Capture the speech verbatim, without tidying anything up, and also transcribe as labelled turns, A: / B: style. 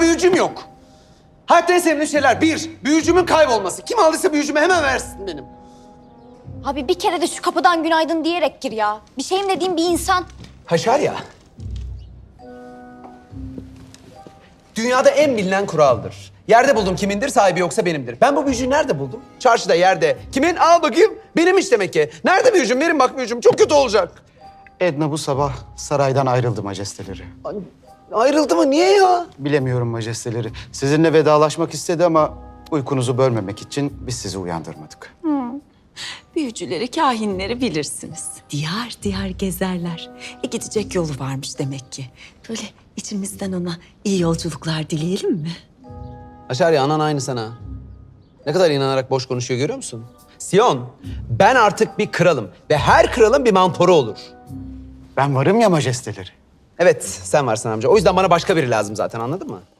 A: büyücüm yok. Hayatta en sevdiğim şeyler bir, büyücümün kaybolması. Kim aldıysa büyücümü hemen versin benim.
B: Abi bir kere de şu kapıdan günaydın diyerek gir ya. Bir şeyim dediğim bir insan.
A: Haşar ya. Dünyada en bilinen kuraldır. Yerde buldum kimindir, sahibi yoksa benimdir. Ben bu büyücüyü nerede buldum? Çarşıda, yerde. Kimin? Al bakayım. Benimmiş demek ki. Nerede büyücüm? Verin bak büyücüm. Çok kötü olacak.
C: Edna bu sabah saraydan ayrıldı majesteleri.
A: Ay, ayrıldı mı? Niye ya?
C: Bilemiyorum majesteleri. Sizinle vedalaşmak istedi ama uykunuzu bölmemek için biz sizi uyandırmadık.
D: Büyücüleri, kahinleri bilirsiniz. Diyar diyar gezerler. E gidecek yolu varmış demek ki. Böyle içimizden ona iyi yolculuklar dileyelim mi?
A: Haşar ya, anan aynı sana. Ne kadar inanarak boş konuşuyor görüyor musun? Sion, ben artık bir kralım ve her kralın bir mentoru olur.
C: Ben varım ya majesteleri.
A: Evet, sen varsın amca. O yüzden bana başka biri lazım zaten, anladın mı?